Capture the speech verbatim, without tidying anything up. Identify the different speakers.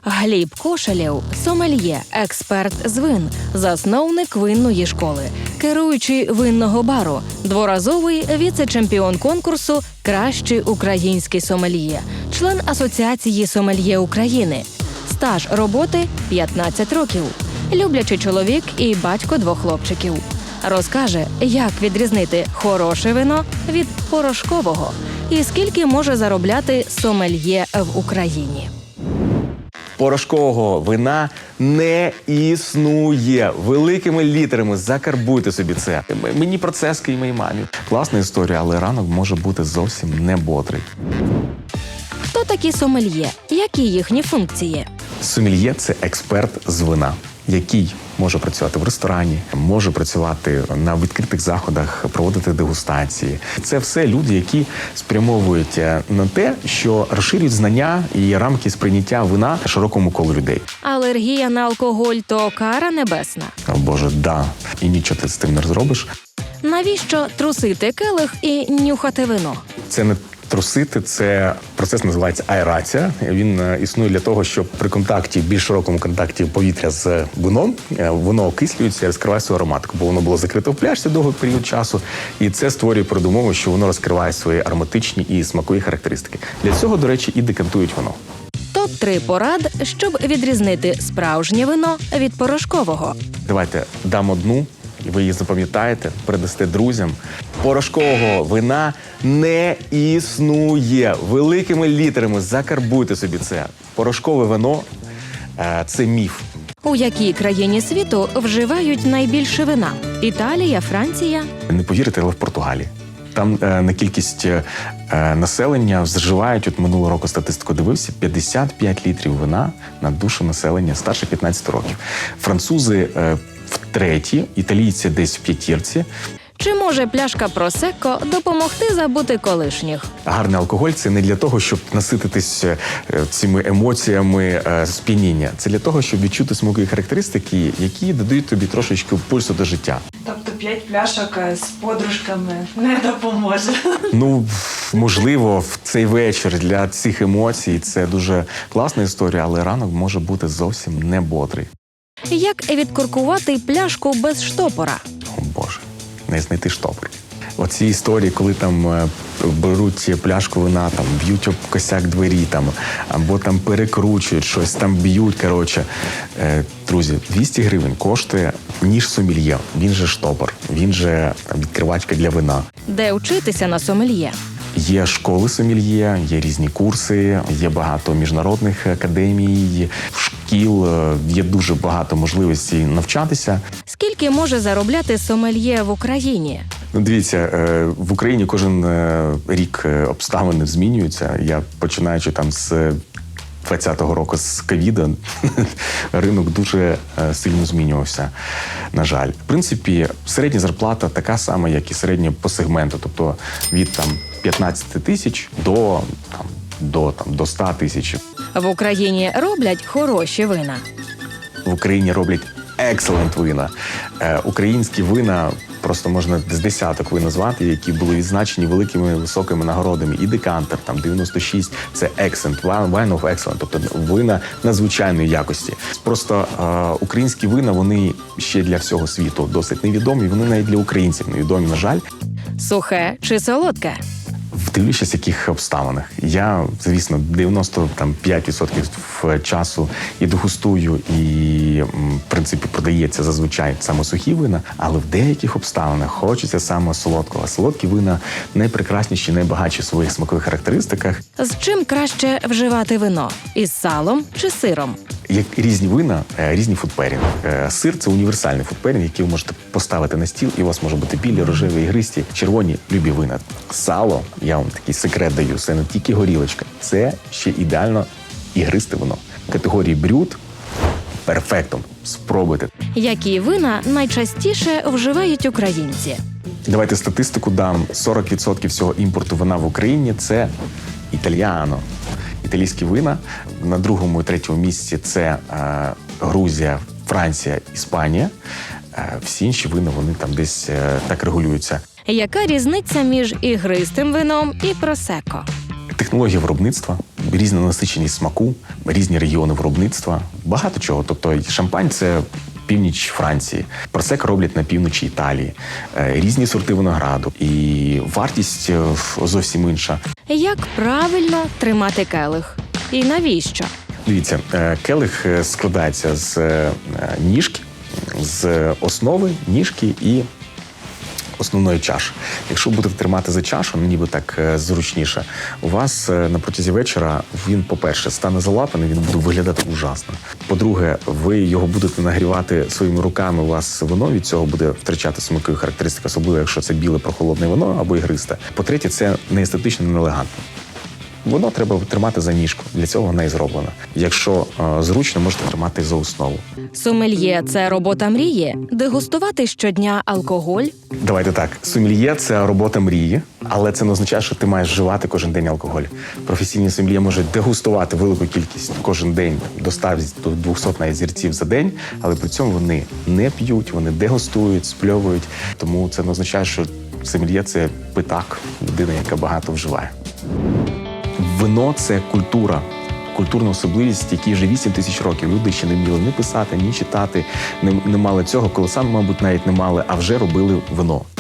Speaker 1: Гліб Кошелєв – сомельє, експерт з вин, засновник винної школи, керуючий винного бару, дворазовий віце-чемпіон конкурсу «Кращий український сомельє», член Асоціації сомельє України. Стаж роботи – п'ятнадцять років. Люблячий чоловік і батько двох хлопчиків. Розкаже, як відрізнити хороше вино від порошкового і скільки може заробляти сомельє в Україні.
Speaker 2: Порошкового вина не існує. Великими літерами закарбуйте собі це. Мені про це і моїй мамі. Класна історія, але ранок може бути зовсім не бодрий.
Speaker 1: Хто такі сомельє? Які їхні функції?
Speaker 2: Сомельє – це експерт з вина, який може працювати в ресторані, може працювати на відкритих заходах, проводити дегустації. Це все люди, які спрямовують на те, що розширюють знання і рамки сприйняття вина широкому колу людей.
Speaker 1: Алергія на алкоголь – то кара небесна.
Speaker 2: О Боже, да. І нічого ти з тим не зробиш.
Speaker 1: Навіщо трусити келих і нюхати вино?
Speaker 2: Це не трусити, це процес називається аерація. Він е, існує для того, щоб при контакті, більш широкому контакті повітря з вином, е, воно окислюється і розкриває свою ароматику, бо воно було закрите в пляшці довгий період часу, і це створює передумову, що воно розкриває свої ароматичні і смакові характеристики. Для цього, до речі, і декантують вино.
Speaker 1: топ три порад, щоб відрізнити справжнє вино від порошкового.
Speaker 2: Давайте дам одну, і ви її запам'ятаєте, передасте друзям. Порошкового вина не існує. Великими літерами закарбуйте собі це. Порошкове вино е, – це міф.
Speaker 1: У якій країні світу вживають найбільше вина? Італія, Франція?
Speaker 2: Не повірите, але в Португалії. Там е, на кількість е, населення зживають, от минулого року статистику дивився, п'ятдесят п'ять літрів вина на душу населення старше п'ятнадцяти років. Французи е, в треті, італійці десь в п'ятірці.
Speaker 1: Чи може пляшка просекко допомогти забути колишніх?
Speaker 2: Гарний алкоголь – це не для того, щоб насититись цими емоціями сп'яніння. Це для того, щоб відчути смакові характеристики, які додають тобі трошечки пульсу до життя.
Speaker 3: Тобто п'ять пляшок з подружками не допоможе?
Speaker 2: Ну, можливо, в цей вечір для цих емоцій це дуже класна історія, але ранок може бути зовсім не бодрий.
Speaker 1: Як відкуркувати пляшку без штопора?
Speaker 2: О Боже, не знайти штопор. Оці історії, коли там е, беруть пляшку вина, там б'ють об косяк двері, там, або там перекручують щось, там б'ють, коротше. Е, друзі, двісті гривень коштує ніж сомельє, він же штопор, він же відкривачка для вина.
Speaker 1: Де вчитися на сомельє?
Speaker 2: Є школи сомельє, є різні курси, є багато міжнародних академій, шкіл, є дуже багато можливостей навчатися.
Speaker 1: Скільки може заробляти сомельє в Україні?
Speaker 2: Ну, дивіться, в Україні кожен рік обставини змінюються. Я починаючи там з двадцятого року, з ковіда, ринок дуже сильно змінювався, на жаль. В принципі, середня зарплата така сама, як і середня по сегменту, тобто від там п'ятнадцяти тисяч до там до там до ста тисяч.
Speaker 1: В Україні роблять хороші вина.
Speaker 2: В Україні роблять екселент вина. Е, українські вина просто можна з десяток вин назвати, які були відзначені великими високими нагородами. І декантер, там дев'яносто шість, це excellent, wine of excellent, тобто вина надзвичайної якості. Просто е, українські вина, вони ще для всього світу досить невідомі, вони навіть для українців невідомі, на жаль.
Speaker 1: Сухе чи солодке?
Speaker 2: Дивлячись, в яких обставинах. Я, звісно, дев'яносто п'ять відсотків часу і дегустую, і, в принципі, продається зазвичай саме сухі вина, але в деяких обставинах хочеться саме солодкого. Солодкі вина найпрекрасніші, найбагатші в своїх смакових характеристиках.
Speaker 1: З чим краще вживати вино? Із салом чи сиром?
Speaker 2: Як різні вина, різні фудперінги. Сир – це універсальний фудперінг, який ви можете поставити на стіл, і у вас може бути білі, рожеві, ігристі, червоні, любі вина. Сало, я вам такий секрет даю, це не тільки горілочка, це ще ідеально ігристе вино. Категорії брют – перфектом. Спробуйте.
Speaker 1: Які вина найчастіше вживають українці?
Speaker 2: Давайте статистику дам. сорок відсотків всього імпорту вина в Україні – це італьяно. Італійські вина. На другому і третьому місці це е, Грузія, Франція, Іспанія. Е, всі інші вина, вони там десь е, так регулюються.
Speaker 1: Яка різниця між ігристим вином і просекко?
Speaker 2: Технологія виробництва, різна насиченість смаку, різні регіони виробництва, багато чого. Тобто шампань – це північ Франції, просека роблять на півночі Італії, е, різні сорти винограду, і вартість е, зовсім інша.
Speaker 1: Як правильно тримати келих? І навіщо?
Speaker 2: Дивіться, е, келих е, складається з е, ніжки, з основи, ніжки і основної чаші. Якщо будете тримати за чашу, ну ніби так е, зручніше, у вас е, на протязі вечора він, по-перше, стане залапаний, він буде виглядати ужасно. По-друге, ви його будете нагрівати своїми руками, у вас вино від цього буде втрачати смакові характеристики, особливо якщо це біле прохолодне вино або ігристе. По-третє, це не естетично, не елегантно. Воно треба тримати за ніжку, для цього вона і зроблена. Якщо е, зручно, можете тримати за основу.
Speaker 1: Сомельє – це робота мрії? Дегустувати щодня алкоголь?
Speaker 2: Давайте так. Сомельє – це робота мрії, але це не означає, що ти маєш вживати кожен день алкоголь. Професійні сомельє можуть дегустувати велику кількість кожен день, до ста до двохсот навіть зірців за день, але при цьому вони не п'ють, вони дегустують, спльовують. Тому це не означає, що сомельє – це питак, людина, яка багато вживає. Вино – це культура, культурна особливість, якій вже вісім тисяч років. Люди ще не вміли ні писати, ні читати, не, не мали цього, коли саме, мабуть, навіть не мали, а вже робили вино.